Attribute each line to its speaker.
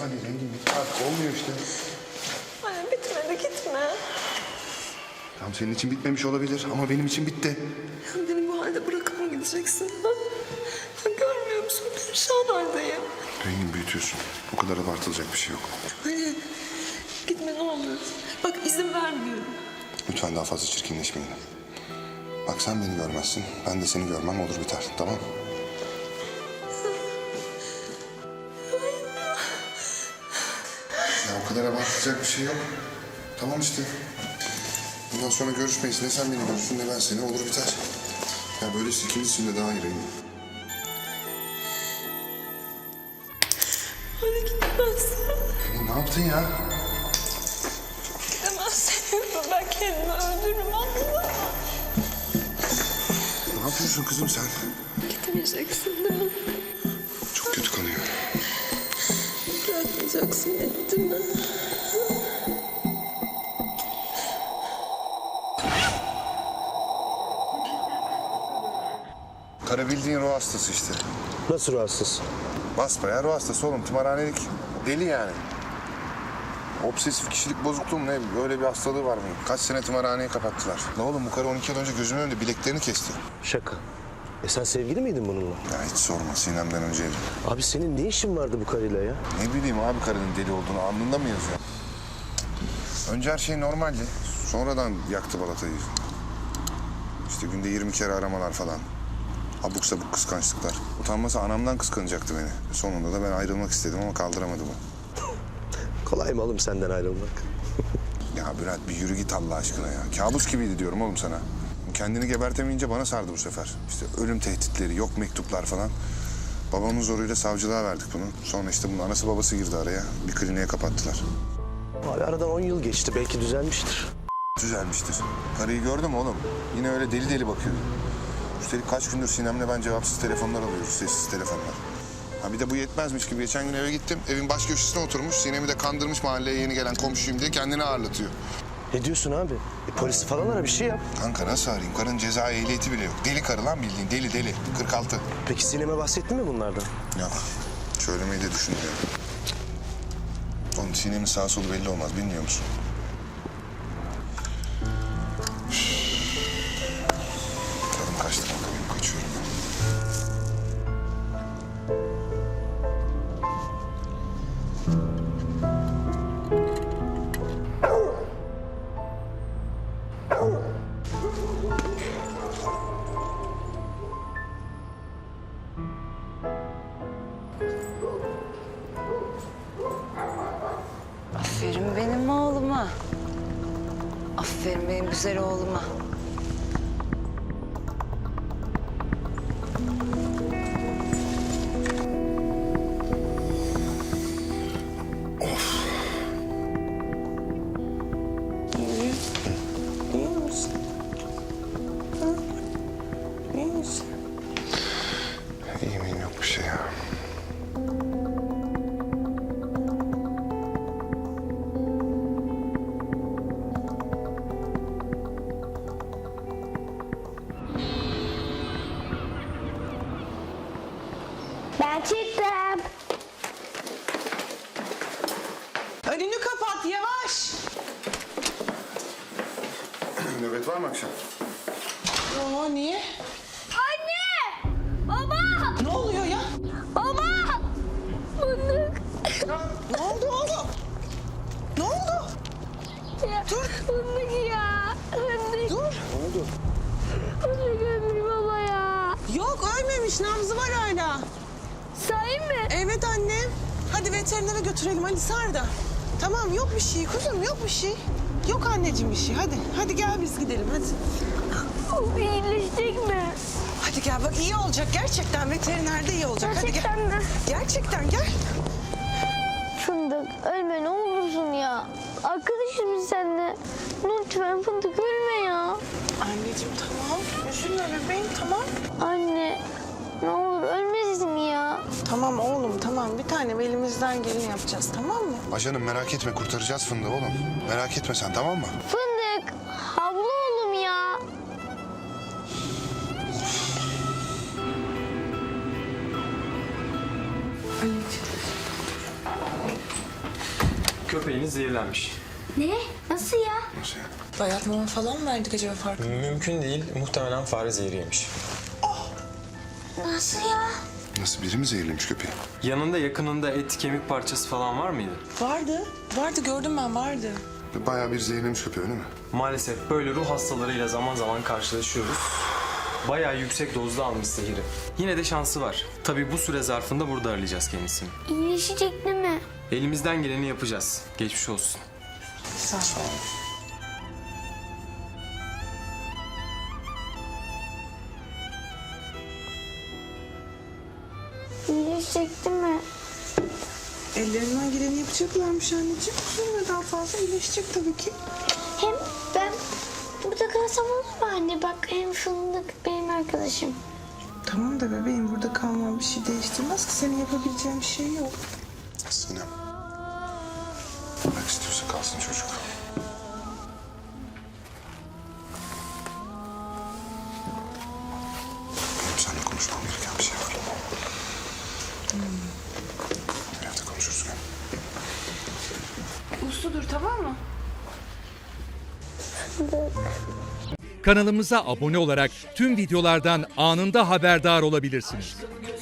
Speaker 1: Hadi Rengin bitti artık olmuyor işte.
Speaker 2: Anne bitmedi gitme.
Speaker 1: Tam senin için bitmemiş olabilir ama benim için bitti.
Speaker 2: Ya beni bu halde bırakıp mı gideceksin? Ha? Ya görmüyor musun? Perişan haldeyim.
Speaker 1: Rengin büyütüyorsun. O kadar abartılacak bir şey yok.
Speaker 2: Anne gitme ne olur. Bak izin vermiyorum.
Speaker 1: Lütfen daha fazla çirkinleşmeyin. Bak sen beni görmezsin. Ben de seni görmem olur biter. Tamam mı? Ya o kadar abartılacak bir şey yok. Tamam işte. Bundan sonra görüşmeyiz. Ne sen beni görürsün ne ben seni. Olur biter. Ya böylesi ikimiz için de daha iyi Rengin.
Speaker 2: Anne gitmezsin.
Speaker 1: Rengin ne yaptın ya?
Speaker 2: Gidemezsin. Ben kendimi öldürürüm anladın mı?
Speaker 1: Ne yapıyorsun kızım sen?
Speaker 2: Gitmeyeceksin değil mi?
Speaker 1: Çok kötü kanıyor.
Speaker 2: Bırakmayacaksın beni değil mi?
Speaker 1: Kara bildiğin ruh hastası işte.
Speaker 3: Nasıl rahatsız?
Speaker 1: Basbayağı ruh hastası oğlum. Tımarhanelik. Deli yani. Obsesif kişilik bozukluğu mu ne? Öyle bir hastalığı var mı? Kaç sene tımarhaneyi kapattılar. Ne oğlum bu karı 12 yıl önce gözümün önünde bileklerini kesti.
Speaker 3: Şaka. Sen sevgili miydin bununla?
Speaker 1: Ya hiç sorma Sinem'den önceydi.
Speaker 3: Abi senin ne işin vardı bu karıyla ya?
Speaker 1: Ne bileyim abi karının deli olduğunu alnında mı yazıyor? Önce her şey normaldi. Sonradan yaktı balatayı. İşte günde 20 kere aramalar falan. Abuk sabuk kıskançlıklar. Utanmasa anamdan kıskanacaktı beni. Sonunda da ben ayrılmak istedim ama kaldıramadı bu.
Speaker 3: Kolay mı oğlum senden ayrılmak?
Speaker 1: Ya Bülent bir yürü git Allah aşkına ya. Kabus gibiydi diyorum oğlum sana. Kendini gebertemeyince bana sardı bu sefer. İşte ölüm tehditleri, yok mektuplar falan. Babamın zoruyla savcılığa verdik bunu. Sonra işte bunun anası babası girdi araya. Bir kliniğe kapattılar.
Speaker 3: Abi aradan 10 yıl geçti. Belki düzelmiştir.
Speaker 1: Düzelmiştir. Karıyı gördün mü oğlum? Yine öyle deli deli bakıyor. Üstelik kaç gündür Sinem'le ben cevapsız telefonlar alıyoruz, sessiz telefonlar. Ha bir de bu yetmezmiş gibi geçen gün eve gittim. Evin baş köşesine oturmuş. Sinem'i de kandırmış mahalleye yeni gelen komşuyum diye kendini ağırlatıyor.
Speaker 3: Ne diyorsun abi? Polisi falan ara bir şey yap.
Speaker 1: Kanka nasıl arayayım? Karının ceza ehliyeti bile yok. Deli karı lan bildiğin deli deli. 46.
Speaker 3: Peki Sinem'e bahsettin mi bunlardan?
Speaker 1: Yok. Söylemeyi de düşünmüyorum. Oğlum Sinem'in sağ solu belli olmaz. Bilmiyor musun? Tadım kaçtı kanka benim. Kaçıyorum ben.
Speaker 4: Aferin benim oğluma. Aferin benim güzel oğluma.
Speaker 2: İyi misin? Ha? İyi misin?
Speaker 1: İyi miyim yok bir şey ya.
Speaker 5: Ben çıktım.
Speaker 6: Önünü kapat yavaş.
Speaker 1: Nöbet var mı akşam?
Speaker 6: Aa niye?
Speaker 5: Anne! Baba!
Speaker 6: Ne oluyor ya?
Speaker 5: Baba! Fındık.
Speaker 6: Ne oldu oğlum? Ne oldu?
Speaker 5: Dur. Fındık ya. Fındık.
Speaker 6: Dur.
Speaker 5: Fındık ölmüş baba ya.
Speaker 6: Yok ölmemiş, nabzı var hala.
Speaker 5: Sahi mi?
Speaker 6: Evet annem. Hadi veterinere götürelim, hadi sar da. Tamam yok bir şey kuzum, yok bir şey. Yok anneciğim bir şey, hadi. Hadi gel biz gidelim, hadi.
Speaker 5: O iyileşecek mi?
Speaker 6: Hadi gel bak iyi olacak gerçekten, veterinerde iyi olacak. Hadi gel.
Speaker 5: Gerçekten mi?
Speaker 6: Gerçekten gel.
Speaker 5: Fındık ölme ne olursun ya. Arkadaşız biz seninle. Lütfen Fındık ölme ya.
Speaker 6: Anneciğim tamam, üzülme bebeğim tamam.
Speaker 5: Anne ne olur ölmesin ya.
Speaker 6: Tamam oğlum tamam, bir tanem elimizden geleni yapacağız tamam mı?
Speaker 1: Ajanım merak etme kurtaracağız fındığı oğlum. Merak etme sen tamam mı?
Speaker 5: Fındık havlu oğlum ya.
Speaker 6: Anneciğim.
Speaker 7: köpeğiniz zehirlenmiş.
Speaker 5: Ne? Nasıl ya?
Speaker 1: Nasıl yani?
Speaker 2: Bayat mama falan mı verdik acaba farkında?
Speaker 7: Mümkün değil. Muhtemelen fare zehri yemiş.
Speaker 5: Nasıl ya?
Speaker 1: Nasıl, biri mi zehirlemiş köpeği?
Speaker 7: Yanında yakınında et, kemik parçası falan var mıydı?
Speaker 2: Vardı gördüm ben vardı.
Speaker 1: Bayağı bir zehirlemiş köpeği, öyle mi?
Speaker 7: Maalesef böyle ruh hastalarıyla zaman zaman karşılaşıyoruz. Bayağı yüksek dozda almış zehri. Yine de şansı var. Tabii bu süre zarfında burada arayacağız kendisini.
Speaker 5: İyileşecek değil mi?
Speaker 7: Elimizden geleni yapacağız. Geçmiş olsun.
Speaker 2: Sağ ol.
Speaker 5: İyileşecek değil mi?
Speaker 6: Ellerinden geleni yapacaklarmış anneciğim. Üzülme, daha fazla iyileşecek tabii ki.
Speaker 5: Hem ben burada kalsam olur mu anne? Bak hem Fındık benim arkadaşım.
Speaker 6: Tamam da bebeğim, burada kalmam bir şey değiştirmez ki. Senin yapabileceğin bir şey yok.
Speaker 1: Sinem. Bırak, istiyorsa kalsın çocuk. Benim seninle konuşmam gereken bir şey var. Evde konuşuruz gel.
Speaker 2: Usludur tamam mı?
Speaker 8: Kanalımıza abone olarak tüm videolardan anında haberdar olabilirsiniz.